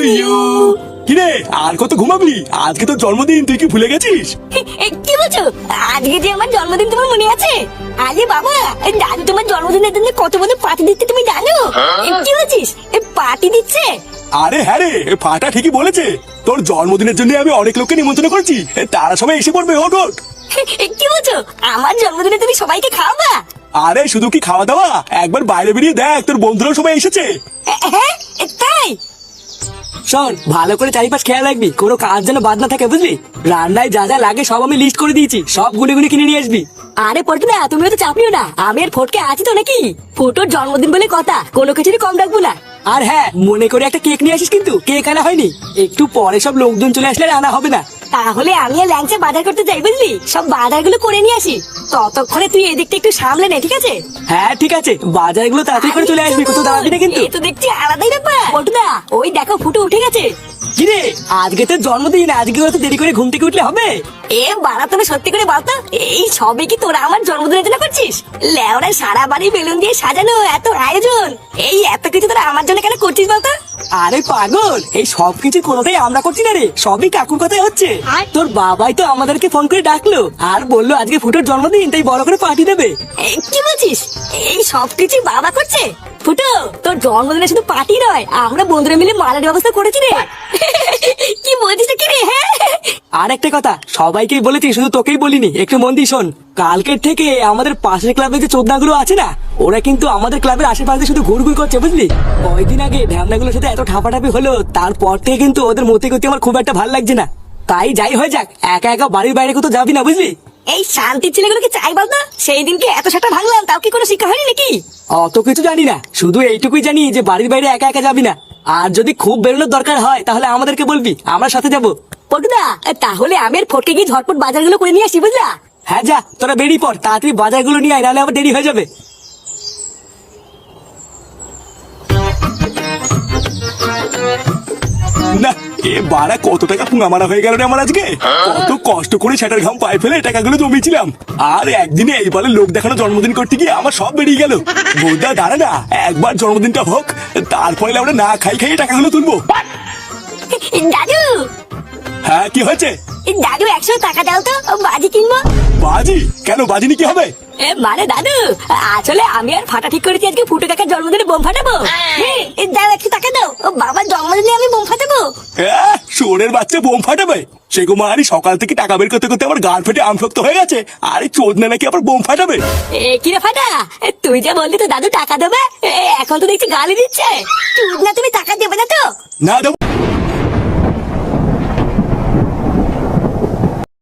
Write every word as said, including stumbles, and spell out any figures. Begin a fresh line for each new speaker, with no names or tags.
You. কিরে আর কত ঘুমাবি? আজকে তো জন্মদিন, তুই কি ভুলে গেছিস?
কি বলছো? আজকে যে আমার জন্মদিন তোমার মনে আছে? আরে বাবা, দাদু তোমার জন্মদিনের জন্য কত বড় পার্টি দিচ্ছে তুমি জানো? কি বলছিস? পার্টি দিচ্ছে?
আরে হ্যাঁ রে, ফাটা ঠিকই বলেছে। তোর জন্মদিনের জন্য আমি অনেক লোককে নিমন্ত্রণ করছি, তারা সবাই এসে পড়বে। ওঠ ওঠ।
কি বলছো? আমার জন্মদিনে তুমি সবাইকে খাওয়াবা?
আরে শুধু কি খাওয়া দাওয়া, একবার বাইরে বেরিয়ে দেখ, তোর বন্ধুরাও সবাই এসেছে।
হ্যাঁ তাই?
শোন, ভালো করে চারিপাশ খেয়াল রাখবি, কোনো কাজ যেন বাদ না থাকে, বুঝলি? রান্নায় যা যা লাগে সব আমি লিস্ট করে দিয়েছি, সব গুনে গুনে কিনে নিয়ে আসবি।
আরে পল্টুদা, তুমিও তো চাপ নিও না, আমি আর ফটকে আছি তো নাকি। ফটোর জন্মদিন বলে কথা, কোনো কিছুরই কম রাখবো না।
আর হ্যাঁ, মনে করে একটা কেক নিয়ে আসিস, কিন্তু কেক আনা হয়নি। একটু পরে সব লোকজন চলে আসলে আর আনা হবে না।
তাহলে আমি আর ল্যাংচা বাজার করতে যাই, বুঝলি? সব বাজার গুলো করে নিয়ে আসি, ততক্ষণে তুই এদিকটা একটু সামলে নে, ঠিক আছে?
হ্যাঁ ঠিক আছে, বাজারগুলো তাড়াতাড়ি করে চলে আসবি, কোথাও দাঁড়াবি না কিন্তু।
এই তো দেখছি আলাদাই ব্যাপার। পল্টুদা, ওই দেখো ফুটো উঠে গেছে।
কিরে, আজকে তো জন্মদিন, আজকে তো দেরি করে ঘুম থেকে উঠলে হবে?
এ বাড়া, তুমি সত্যি করে বলতো, এই সবে কি তোরা আমার জন্মদিনের জন্য করছিস? লেওরা সারা বাড়ি বেলুন দিয়ে সাজানো, এত আয়োজন, এই এত কিছু তোরা আমার জন্য কেন করছিস বলতো?
আরে পাগল, এই সব কিছু কোনোটাই আমরা করছি না রে, সবই কাকুর কথাই হচ্ছে। তোর বাবাই তো আমাদেরকে ফোন করে ডাকলো আর বললো আজকে ফুটোর জন্মদিন, তাই বড় করে পার্টি দেবে।
এ, কি বলছিস? এই সব কিছু বাবা করছে? ফুটো, তোর জন্মদিনে শুধু পার্টি নয়, আমরা বন্ধুরা মিলে মালার ব্যবস্থা করেছি রে। কি বলছিস কি রে? হ্যাঁ,
আর একটা কথা, সবাইকেই বলেছি, শুধু তোকেই বলিনি, একটু মন দিয়ে শোন। কালকের থেকে আমাদের পাশের ক্লাবে যে চোদনাগুলো আছে না, ওরা কিন্তু আমাদের ক্লাবের আশেপাশে শুধু ঘুরঘুর করছে, বুঝলি? কয়েকদিন আগে ঢ্যামনাগুলোর সাথে এত ঠাপাঠাপি হলো, তারপর থেকে কিন্তু ওদের মতে করতে আমার খুব একটা ভালো লাগছে না। তাই যাই হয়ে যাক, একা একা বাড়ির বাইরে কোথাও যাবি না, বুঝলি?
এই শান্তির ছেলেগুলোকে চাই বলতো, সেই দিনকে এত সেটা ভাঙলাম, তাও কি কোনো শিক্ষা হয়নি নাকি?
অত কিছু জানি না, শুধু এইটুকুই জানি যে বাড়ির বাইরে একা একা যাবি না, আর যদি খুব বেরোনোর দরকার হয় তাহলে আমাদেরকে বলবি, আমরা সাথে যাবো।
পটুদা, তাহলে আমি আর ফটকে গিয়ে ঝটপট বাজারগুলো করে নিয়ে আসি, বুঝলা?
হ্যাঁ যা, তোরা বেরিয়ে পড়, তাড়াতাড়ি বাজারগুলো নিয়ে আয়, নাহলে আবার দেরি হয়ে যাবে।
না, এ বাড়া কত টাকা পুঙ্গা মারা হয়ে গেল রে আমার আজকে। কত কষ্ট করে সেটার ঘাম পায়ে ফেলে টাকাগুলো জমিয়েছিলাম, আর একদিনে এই বলে লোক দেখানো জন্মদিন করতে গিয়ে আমার সব বেরিয়ে গেল। বোধা দাঁড়া না, একবার জন্মদিনটা হোক, তারপরে আমরা না খাই খাইয়ে টাকাগুলো তুলবো।
দাদু,
হ্যাঁ কি হয়েছে?
দাদু একশো টাকা দাও তো, বাজি কিনবো।
বাজি? কেন বাজি নিয়ে কি হবে?
এ, মানে দাদু, আসলে আমি আর ফাটা ঠিক করেছি আজকে ফুটো কাকার জন্মদিনে বোম ফাটাবো। হ্যাঁ, এ, দাও একশো টাকা দাও, ও বাবার জন্মদিনে আমি বোম ফাটাবো।
আহ, শুয়োরের বাচ্চা বোম ফাটাবে? সে কুমারী সকাল থেকে টাকা বের করতে করতে আমার গাল ফেটে আমশক্ত হয়ে গেছে, আর এই চোদনা নাকি আবার বোম ফাটাবে?
এ কি রে ফাটা, এ, তুই যা বললি তো দাদু টাকা দেবে, এ, এখন তো দেখছি গালি দিচ্ছে। চুদ না, তুমি টাকা দেবে না তো?
না দেবো।